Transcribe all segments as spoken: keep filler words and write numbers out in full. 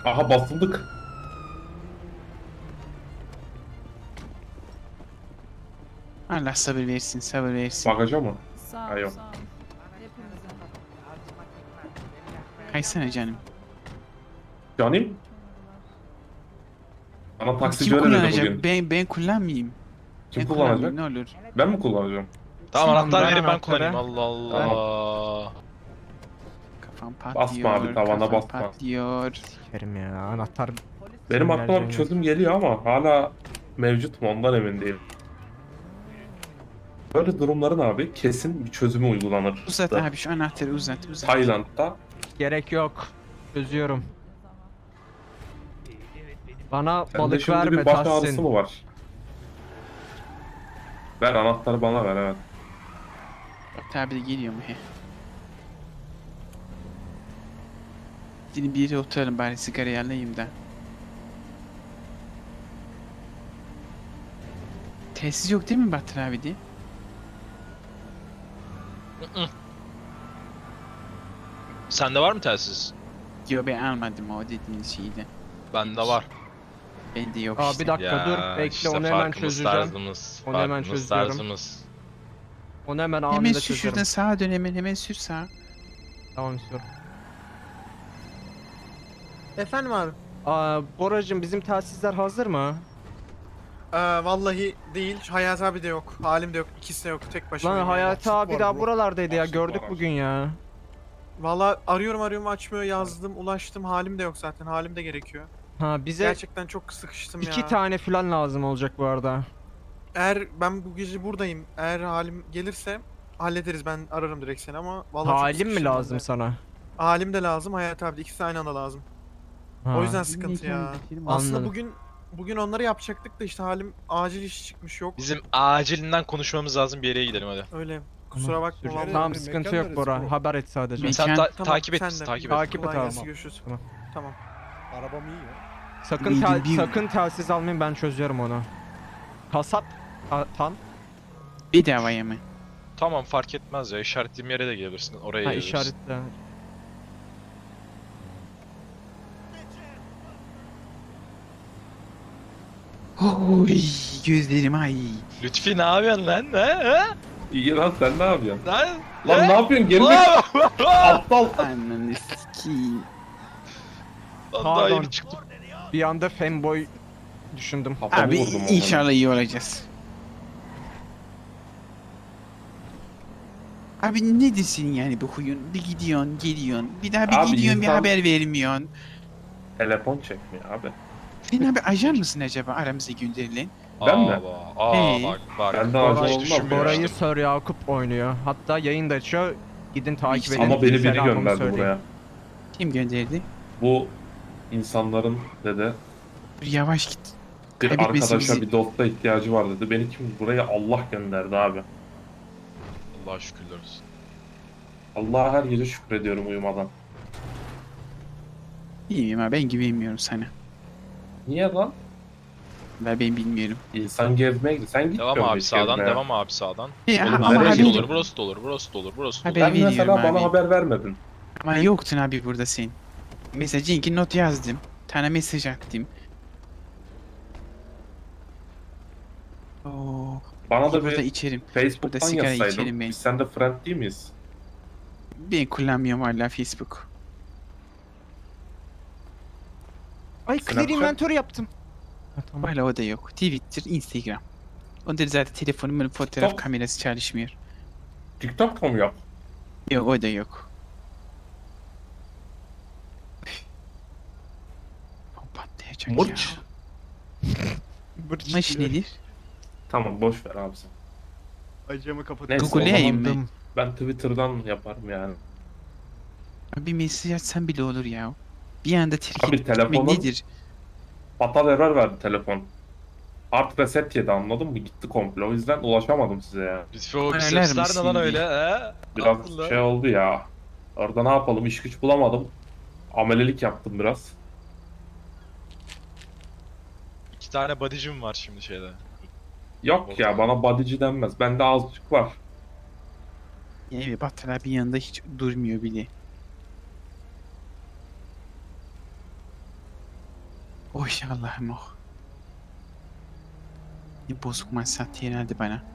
Aha basıldık. Allah sabır versin, sabır versin. Bagaja mı? Sağ Ha ol, yok. sağ ol. Hepimize. Kaysana canım. Canım. Bana taksici Kim öyle dedi kullanacak? bugün. Ben ben kullanmayayım. Kim Ben kullanacak? kullanmayayım, ne olur. Ben mi kullanacağım? Tamam, Sen anahtar kullan verin ben anahtarı. kullanayım. Allah Tamam. Allah. Kafam Basma abi, patlıyor, tavana kafam basma. patlıyor. Kerim ya anahtar. Benim aklıma bir Sinirleneceğim çözüm geliyor ama hala mevcut mu ondan emin değilim. Böyle durumların abi kesin bir çözümü uygulanır. Uzat abi şu anahtarı uzat, uzat. Tayland'da Gerek yok. Çözüyorum. Bana sende balık şimdi verme bir baş ağrısı Tahsin. mı var? Ver anahtarı bana ver, evet. Tabi de geliyor mu he? Şimdi bir yere oturalım bari sigarayı alayım da. Telsiz yok değil mi Bahtır abi diye? Sende var mı telsiz? Yok ben almadım o dediğiniz şeyden. Bende var. Bende yok Aa, işte. bir dakika dur. Bekle, işte onu hemen farkımız, çözeceğim. Tarzımız, Onu hemen farkımız, çözüyorum. tarzımız. Onu hemen Hemen anında sür çözerim. şuradan sağa dön hemen hemen sür sağa. Tamam istiyorum. Efendim abi. Aa, Boracığım bizim telsizler hazır mı? Ee, vallahi değil. Hayat abi de yok. Halim de yok. İkisi de yok. Tek başıma. Lan Hayati abi daha buralardaydı ya, Başlık gördük var, bugün ya. Vallahi arıyorum arıyorum açmıyor. Yazdım, ulaştım. Halim de yok zaten. Halim de gerekiyor. Ha bize Gerçekten çok sıkıştım ya. iki tane falan lazım olacak bu arada. Eğer ben bu gece buradayım. Eğer halim gelirse hallederiz. Ben ararım direkt seni ama vallahi çok Halim mi sıkıştım ben lazım de. sana? Halim de lazım. Hayat abi de. İkisi aynı anda lazım. Ha. O yüzden sıkıntı ya. Aslında Anladım. bugün bugün onları yapacaktık da işte halim acil iş çıkmış yok. Bizim acilinden konuşmamız lazım, bir yere gidelim hadi. Öyle. Kusura bakma Süreceğim. vallahi. Tamam Mekan sıkıntı neresi yok Bora. bro? Haber et sadece. Mekan- Sen ta- Tamam, takip et sen bizi, de. takip et. Takip et Kolay abi. gelsin, görüşürüz. Tamam. Tamam. Arabam iyi ya. Sakın Bir- tel- bir- sakın telsiz almayın, ben çözüyorum onu. Kasap a- tan. Bedavaya mı? Tamam, fark etmez ya, işaretlediğim yere de gelebilirsin, oraya Ha gelebilirsin. işaretle. Oy gözlerim ay. Lütfi ne yapıyorsun lan? He? He? iyi lan, sen ne yapıyorsun? Lan, Lan he? ne yapıyorsun? Geri aptal. Ananı sikeyim. Lan daha Pardon. yeni çıktım. Bir anda fanboy düşündüm. Kafamı Abi vurdum o inşallah iyi olacağız. Abi ne desin yani bu huyun? Bir gidiyorsun, geliyorsun. Bir daha bir Abi gidiyorsun, bir insan- haber vermiyorsun. Telefon çekmiyor abi. Sen abi ajan mısın acaba aramıza gönderilen? Ben mi? Aa, aa Hey. bak bak. Ben de Bak, acil hiç olmam. düşünmüyorum. Bora'yı Sir Yakup oynuyor. Hatta yayın da açıyor. Gidin takip İşte edin. Ama beni biri Selamımı gönderdi söyleyin. buraya. Kim gönderdi? Bu insanların dedi Dur yavaş git. bir Kaybetmesin arkadaşa bizi. bir dosta ihtiyacı var dedi. Beni kim buraya Allah gönderdi abi. Allah'a şükürler olsun. Allah'a her gece şükrediyorum uyumadan. İyiyim abi ben güvenmiyorum sana. Niye lan? Ben ben bilmiyorum. İnsan gezmeye gidiyor. Sen gitmiyor Devam musun abi hiç sağdan, gezmeye? devam abi sağdan. Ya, Oğlum, ama nereye Burası da gidiyorsun? haber, olur, burası da olur, burası da olur, burası da olur. Haber- Ben mesela veriyorum bana abi. haber vermedin. ama yoktun abi burada sen. Mesela Cenk'e not yazdım. Tane mesaj attım. Oo, Bana da burada bir içerim. Facebook'tan burada sigara içerim yazsaydın. ben. Biz seninle friend değil miyiz? Ben kullanmıyorum hala Facebook. Ay clear Snapchat- inventory yaptım. Ha, tamam. Hala o da yok. Twitter, Instagram. Onda zaten telefonumun fotoğraf Top. kamerası çalışmıyor. TikTok'ta mı yap? Yok o da yok. O patlayacak Mırç. ya. Mırç nedir? Tamam boş ver abi sen. Acımı kapat. Neyse, Google'layım o zaman mı? Ben Twitter'dan yaparım yani. Abi mesaj atsan bile olur ya. Bir anda terk Abi edip gitmek telefonun- nedir? Fatal error verdi telefon. Hard reset yedi, anladın mı? Gitti komple. O yüzden ulaşamadım size ya. Lütfi o Öler bisepsler ne lan misin öyle diye. he? Biraz Allah. şey oldu ya. Orada ne yapalım? İş güç bulamadım. Amelelik yaptım biraz. İki tane body'cim var şimdi şeyde. Yok ya, bana bodyci denmez. Bende azıcık var. Yani Battal abi yanında hiç durmuyor bile. Oy Allah'ım oh. Ne bozuk mansat herhalde bana.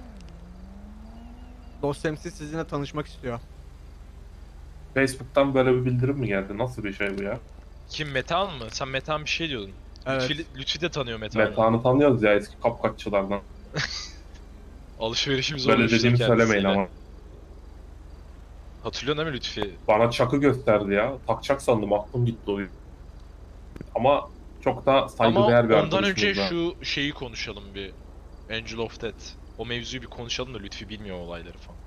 Dost temsil sizinle tanışmak istiyor. Facebook'tan böyle bir bildirim mi geldi? Nasıl bir şey bu ya? Kim, Metehan mı? Sen Metehan bir şey diyordun. Evet. Lütfi, Lütfi de tanıyor Metehan'ı. Metehan'ı tanıyoruz ya eski kapkaççılardan. Alışverişimiz Böyle olmuştu dediğimi kendisiyle. söylemeyin ama. Hatırlıyorsun değil mi Lütfi? Bana çakı gösterdi ya. Takacak sandım, aklım gitti o yüzden. Ama çok da Ama saygıdeğer bir ondan arkadaşımız önce da. şu şeyi konuşalım bir. Angel of Death. O mevzuyu bir konuşalım da Lütfi bilmiyor olayları falan.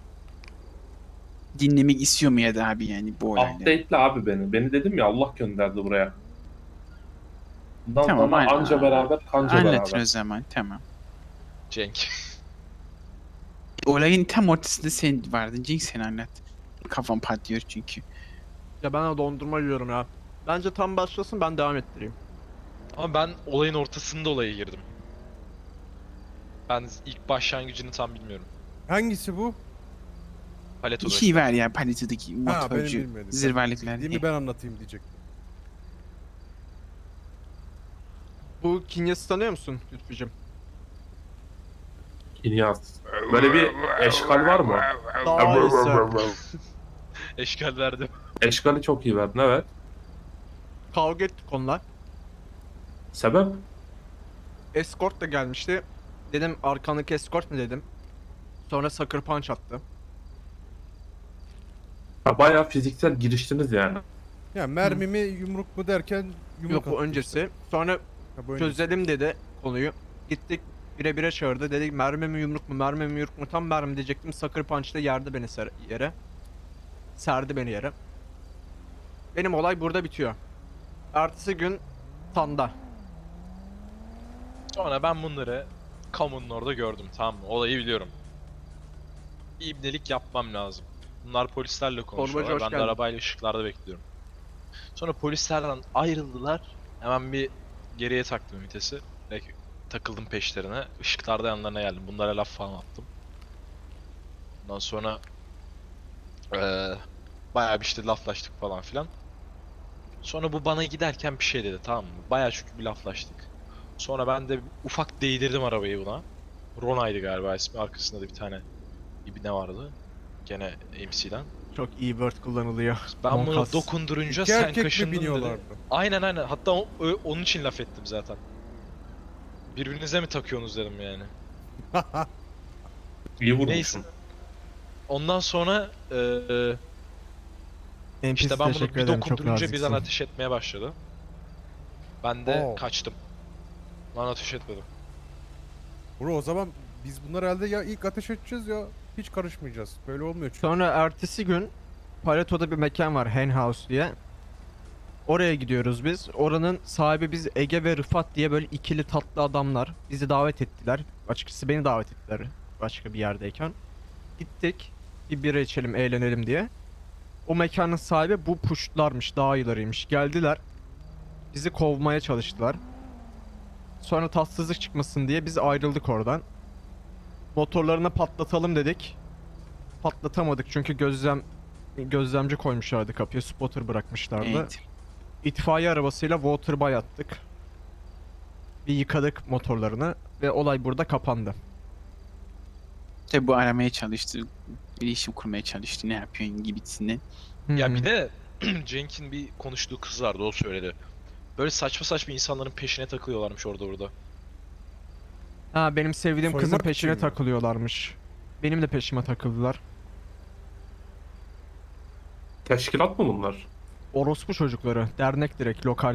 Dinlemek istiyor mu ya da abi yani bu olayları? Update'le abi beni. Beni dedim ya, Allah gönderdi buraya. Bundan Tamam, sonra aynen. anca beraber kanca Anlatır beraber. o zaman tamam. Cenk. Olayın tam ortasında sen vardın Cenk, sen anlat. Kafam patlıyor çünkü. Ya ben de dondurma yiyorum ya. Bence tam başlasın, ben devam ettireyim. Ama ben olayın ortasında olaya girdim. Ben ilk başlangıcını tam bilmiyorum. Hangisi bu? Paleto'da Bir şey işte. var ya paletodaki Ha benim motorcu bilmediğim. zırvalıklar Değil diye. mi, ben anlatayım diyecek. Bu Kinyas'ı tanıyor musun Lütfücüm? İlyas. Böyle bir eşkal var mı? Daha iyisi. Eşkal verdim. Eşkali çok iyi verdin, evet. Kavga ettik onunla. Sebep? Escort da gelmişti. Dedim arkandaki escort ne dedim. Sonra sucker punch attı. Ha, bayağı fiziksel giriştiniz yani. Ya mermi mi yumruk mu derken yumruk Yok, bu attı öncesi. işte. Sonra Ha, bu öncesi. çözelim dedi konuyu. Gittik bire bire çağırdı. Dedik mermi mi yumruk mu, mermi mi yumruk mu? Tam mermi diyecektim. Sucker punch'ta yerdi beni ser- yere. Serdi beni yere. Benim olay burada bitiyor. Ertesi gün Tanda. Sonra ben bunları kamunun orada gördüm, tamam mı? Olayı biliyorum. Bir ibnelik yapmam lazım. Bunlar polislerle konuşuyorlar. hoş Ben de geldin. arabayla ışıklarda bekliyorum. Sonra polislerden ayrıldılar. Hemen bir geriye taktım vitesi. Ve takıldım peşlerine. Işıklarda yanlarına geldim. Bunlara laf falan attım. Ondan sonra eee bayağı bir işte laflaştık falan filan. Sonra bu bana giderken bir şey dedi, tamam mı? Bayağı çünkü bir laflaştık. Sonra ben de ufak değdirdim arabayı buna. Rona'ydı galiba ismi. Arkasında da bir tane ibne vardı. Gene M C'den. Çok iyi word kullanılıyor. Ben bunu Monkas. dokundurunca İki sen erkek mi kaşındın dedi. biniyorlardı? Aynen aynen. Hatta o- ö- onun için laf ettim zaten. Birbirinize mi takıyorsunuz dedim yani. İyi vurmuşsun. Neyse. Ondan sonra eee N P C işte ben bunu teşekkür bir ederim, çok dokundurunca birden naziksin. ateş etmeye başladı. Ben de Oo. kaçtım. Lan ateş etmedim. Bro o zaman biz bunlar herhalde ya ilk ateş edeceğiz ya hiç karışmayacağız. Böyle olmuyor çünkü. Sonra ertesi gün Paleto'da bir mekan var, Hen House diye. Oraya gidiyoruz biz. Oranın sahibi biz, Ege ve Rıfat diye böyle ikili tatlı adamlar. Bizi davet ettiler. Açıkçası beni davet ettiler başka bir yerdeyken. Gittik. Bir bira içelim, eğlenelim diye. O mekanın sahibi bu puştlarmış, dağ ayılarıymış. Geldiler. Bizi kovmaya çalıştılar. Sonra tatsızlık çıkmasın diye biz ayrıldık oradan. Motorlarını patlatalım dedik. Patlatamadık çünkü gözlem gözlemci koymuşlardı kapıya, spotter bırakmışlardı. Evet. İtfaiye arabasıyla waterboy attık. Bir yıkadık motorlarını ve olay burada kapandı. Tabi bu aramaya çalıştı. İletişim kurmaya çalıştı. Ne yapıyorsun gibisinden. Ya bir de Cenk'in bir konuştuğu kız vardı, o söyledi. Böyle saçma saçma insanların peşine takılıyorlarmış orada burada. Ha, benim sevdiğim kızın Soymak peşine için mi? takılıyorlarmış. Benim de peşime takıldılar. Teşkilat mı bunlar? Orospu çocukları, dernek direkt lokal.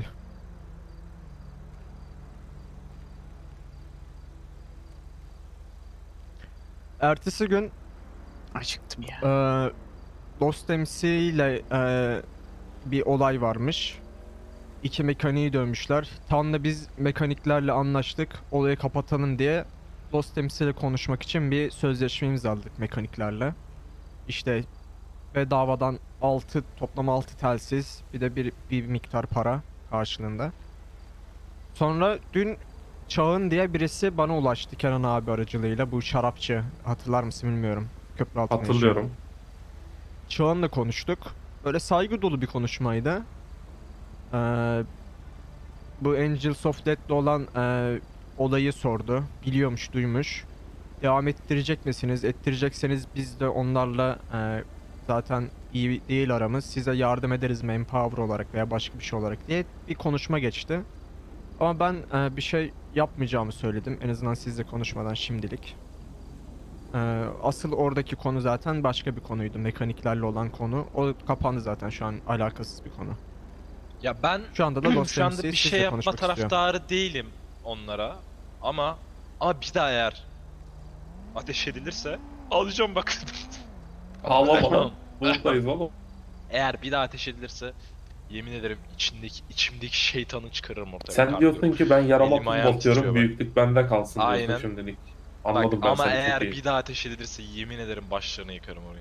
Ertesi gün Acıktım ya. Ee, Dost M C ile e, bir olay varmış. İki mekaniği dövmüşler. Tam da biz mekaniklerle anlaştık. Olayı kapatalım diye Dost M C ile konuşmak için bir sözleşme imzaladık mekaniklerle. İşte bedavadan altı, toplam altı telsiz, bir de bir, bir miktar para karşılığında. Sonra dün Çağın diye birisi bana ulaştı Kenan abi aracılığıyla. Bu şarapçı, hatırlar mısın bilmiyorum. Köprü altında yaşıyor. Hatırlıyorum. Çağan'la konuştuk. Böyle saygı dolu bir konuşmaydı. Ee, bu Angels of Death'le olan e, olayı sordu. Biliyormuş, duymuş. Devam ettirecek misiniz? Ettirecekseniz biz de onlarla e, zaten iyi değil aramız. Size yardım ederiz manpower olarak veya başka bir şey olarak diye bir konuşma geçti. Ama ben e, bir şey yapmayacağımı söyledim. En azından sizle konuşmadan şimdilik. E, asıl oradaki konu zaten başka bir konuydu. Mekaniklerle olan konu. O kapandı zaten, şu an alakasız bir konu. Ya ben Şu anda da Los şu anda Angeles'i bir sizle şey yapma konuşmak istiyorum. taraftarı değilim onlara. Ama ama bir daha eğer ateş edilirse alacağım bak. Ağlama. Buradayız oğlum. Eğer bir daha ateş edilirse yemin ederim içindeki içimdeki şeytanı çıkarırım ortaya. Sen Kalbim. diyorsun ki ben yarama Elim ayağım basıyorum, titriyor bak. büyüklük bende kalsın Aynen. diyorsun şimdilik. Bak, Anladım ben ama seni eğer çok iyi. bir daha ateş edilirse yemin ederim başlarını yıkarım orayı.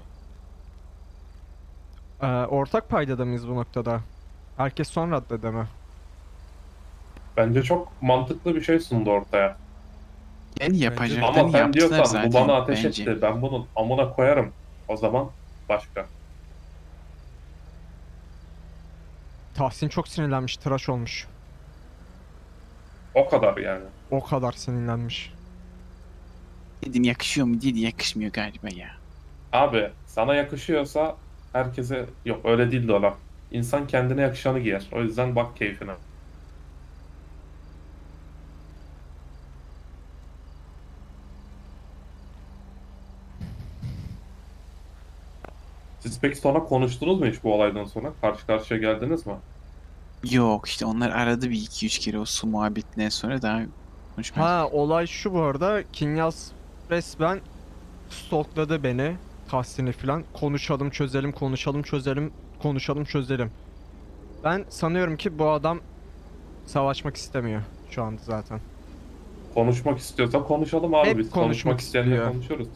Ee, ortak paydada mıyız bu noktada? Herkes son raddede mi? Bence çok mantıklı bir şey sundu ortaya. Yani yapacaklarını Ama sen yaptılar diyorsan zaten bu bana ateş bence. etti, ben bunun amına koyarım. O zaman başka. Tahsin çok sinirlenmiş, tıraş olmuş. O kadar yani. O kadar sinirlenmiş. Dedim yakışıyor mu dedi, yakışmıyor galiba ya. Abi sana yakışıyorsa herkese yok öyle değil de o laf. İnsan kendine yakışanı giyer. O yüzden bak keyfine. Siz peki sonra konuştunuz mu hiç bu olaydan sonra? Karşı karşıya geldiniz mi? Yok işte onlar aradı bir iki üç kere o su muhabbetinden sonra daha konuşmadık. Ha, olay şu bu arada. Kinyas resmen stalkladı beni. Tahsin'i falan. Konuşalım çözelim, konuşalım çözelim, konuşalım çözelim. Ben sanıyorum ki bu adam savaşmak istemiyor şu anda zaten. Konuşmak istiyorsa konuşalım abi. Hep Biz konuşmak konuşmak isteyenle istiyor. konuşuruz.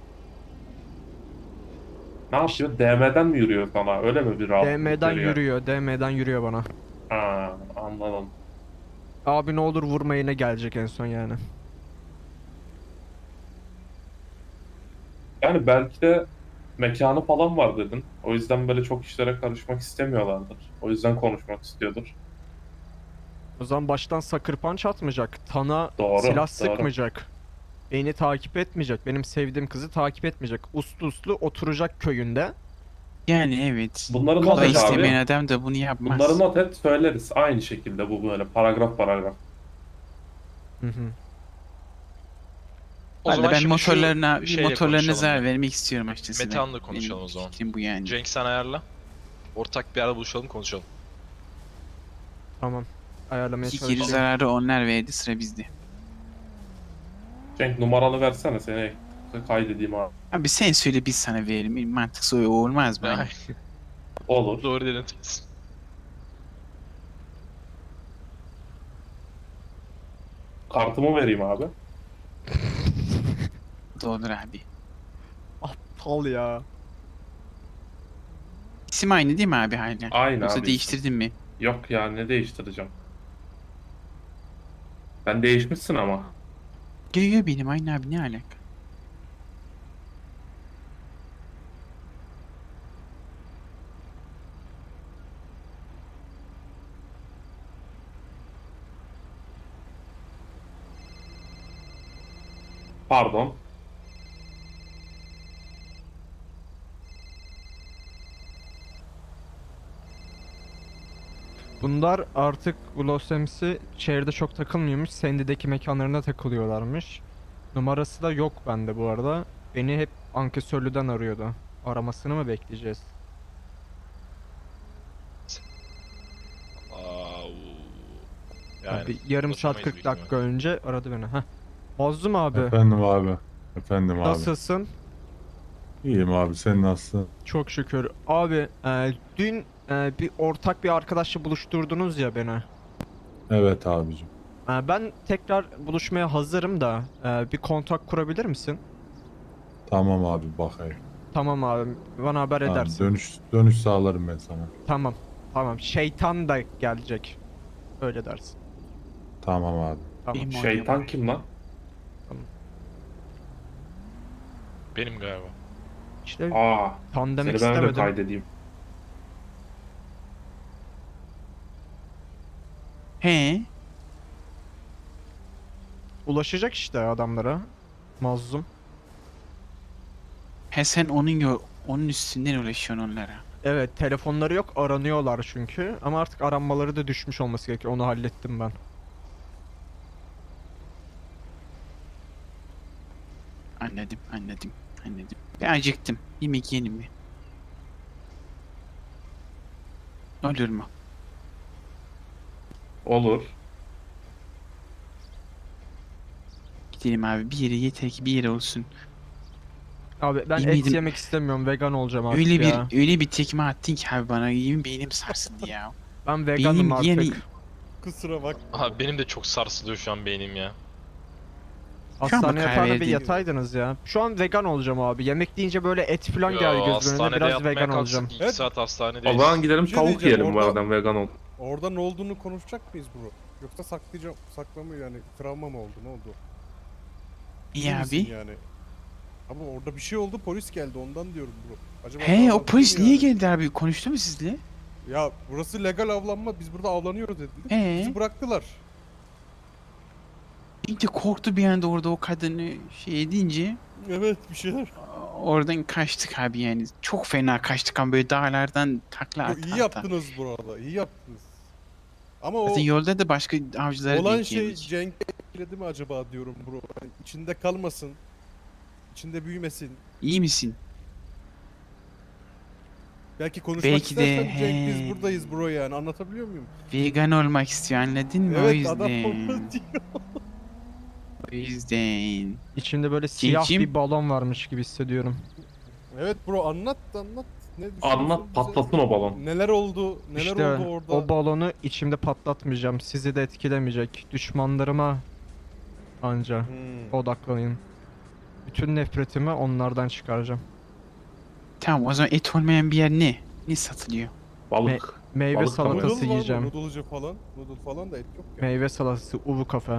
Ne yapıyor? D M'den mi yürüyor sana? Öyle mi bir rahatlık D M'den veriyor? yürüyor, D M'den yürüyor bana. Ha, anladım. Abi ne olur vurma, yine gelecek en son yani. Yani belki de mekanı falan var dedin. O yüzden böyle çok işlere karışmak istemiyorlardır. O yüzden konuşmak istiyordur. O zaman baştan sucker punch atmayacak. Tana Doğru, silah doğru. sıkmayacak. Beni takip etmeyecek. Benim sevdiğim kızı takip etmeyecek. Uslu uslu oturacak köyünde. Yani evet. Bunları not Kolay et istemeyen abi. adam da bunu yapmaz. Bunları not et söyleriz. Aynı şekilde bu böyle paragraf paragraf. Hı hı. O Valla zaman ben şimdi şu motorlarına, bir şeyle motorlarına konuşalım zarar ya. vermek istiyorum açıkçası. Metehan'la ben. konuşalım Benim o zaman. fikrim bu yani. Cenk sen ayarla. Ortak bir yerde buluşalım konuşalım. Tamam. Ayarlamaya İki kere çalışıyorum. zararı onlar verdi, sıra bizde. Cenk numaranı versene seni kaydedeyim abi. Abi sen söyle biz sana verelim. Mantıklı o olmaz mı? Ay, Olur. doğru dedin. Kartımı vereyim abi. Doğru abi. Aptal ya. İsim aynı değil mi abi hala? Aynı Yoksa abi. değiştirdin mi? Yok ya ne değiştireceğim. Ben değişmişsin ama. Görüyor benim aynı abi, ne alaka? Pardon. Bunlar artık bu Los Ams'i şehirde çok takılmıyormuş. Sandy'deki mekanlarına takılıyorlarmış. Numarası da yok bende bu arada. Beni hep ankesörlüden arıyordu. Aramasını mı bekleyeceğiz? Aa, Yani bir yarım saat ulaşamayız kırk büyük dakika önce aradı beni. Heh. Mazlum abi. Efendim abi. Efendim abi. Nasılsın? İyiyim abi, sen nasılsın? Çok şükür. Abi e, dün e, bir ortak bir arkadaşla buluşturdunuz ya beni. Evet abicim. E, ben tekrar buluşmaya hazırım da e, bir kontak kurabilir misin? Tamam abi, bakayım. Tamam abi, bana haber Tamam, edersin. dönüş dönüş sağlarım ben sana. Tamam. Tamam. Şeytan da gelecek. Öyle dersin. Tamam abi. Tamam. Benim Şeytan oluyor. kim lan? Benim galiba. İşte Aa, tan demek seni ben de istemedim. kaydedeyim. He, Ulaşacak işte adamlara. Mazlum. He sen onun yo onun üstünden ulaşıyorsun onlara. Evet, telefonları yok, aranıyorlar çünkü. Ama artık aranmaları da düşmüş olması gerekiyor. Onu hallettim ben. Anladım, anladım, anladım. Ben acıktım. Yemek yiyelim mi? Olur mu? Olur. Gidelim abi bir yere, yeter ki bir yere olsun. Abi ben et Yemedim. yemek istemiyorum. Vegan olacağım artık Öyle ya. bir öyle bir tekme attın ki abi bana, yemin beynim sarsıldı ya. Ben veganım Beynim artık. yani Kusura bak. Abi benim de çok sarsılıyor şu an beynim ya. Şu an Hastane bak yatağına bir verdi. yataydınız ya. Şu an vegan olacağım abi. Yemek deyince böyle et falan Yo, geldi gözümün önüne. hastanede Biraz yatmaya vegan kalksak olacağım. iki Evet. saat O hastanedeyiz. zaman gidelim Bir şey tavuk diyeceğim, yiyelim bu orada- aradan vegan ol. Orada ne olduğunu konuşacak mıyız bro? Yoksa saklayacağım, saklamı yani travma mı oldu, ne oldu? İyi misin abi. Yani? Ama orada bir şey oldu, polis geldi ondan diyorum bro. Acaba He o avlandık polis mı niye yani? geldi abi? Konuştu mu sizle? Ya burası legal avlanma, biz burada avlanıyoruz dediler. He. Bizi bıraktılar. Bir de korktu bir anda orada o kadını şey edince. Evet, bir şeyler. Oradan kaçtık abi yani. Çok fena kaçtık ama böyle dağlardan takla Yo, ata iyi ata. yaptınız burada, iyi yaptınız. Ama o Zaten yolda da başka avcılara olan denk şey geldik. Cenk etkiledi mi acaba diyorum bro. Yani içinde kalmasın. İçinde büyümesin. İyi misin? Belki konuşmak Belki de, istersen Cenk he. biz buradayız bro yani, anlatabiliyor muyum? Vegan olmak istiyor, anladın mı? o Evet yüzden. adam onu diyor. O yüzden. İçinde böyle siyah Cincim. bir balon varmış gibi hissediyorum. Evet bro, anlat anlat. Ne düşünüyorsun Anlat bize? patlasın o balon. Neler oldu? Neler işte oldu orada? o balonu içimde patlatmayacağım. Sizi de etkilemeyecek. Düşmanlarıma anca Hmm. odaklanayım. Bütün nefretimi onlardan çıkaracağım. Tamam o zaman et olmayan bir yer ne? Ne satılıyor? Balık. Meyve Balık tabii. salatası Noodle var mı? yiyeceğim. Noodle'cı falan. Noodle falan da et yok ya. Meyve salatası, uvu kafe.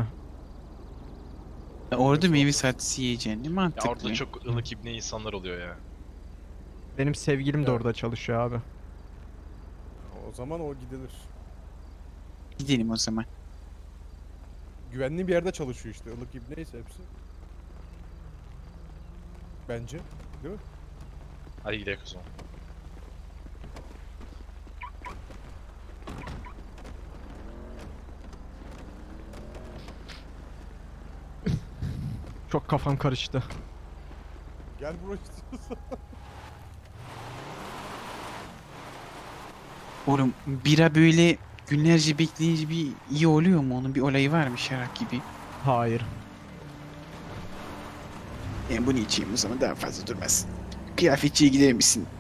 Orada meyve salatası yiyeceksin. Ne Ya mantıklı. orada çok ılık ibne insanlar oluyor ya. Benim sevgilim de Ya. orada çalışıyor abi. O zaman o gidilir. Gidelim o zaman. Güvenli bir yerde çalışıyor işte. Ilık ibneyse hepsi. Bence. Değil mi? Hadi gidelim o zaman. Çok kafam karıştı. Gel bro istiyorsan. Oğlum bira böyle günlerce bekleyince bir iyi oluyor mu? Onun bir olayı var mı şarap gibi? Hayır. Ben bunu içeyim o zaman daha fazla durmaz. Kıyafetçiye gider misin?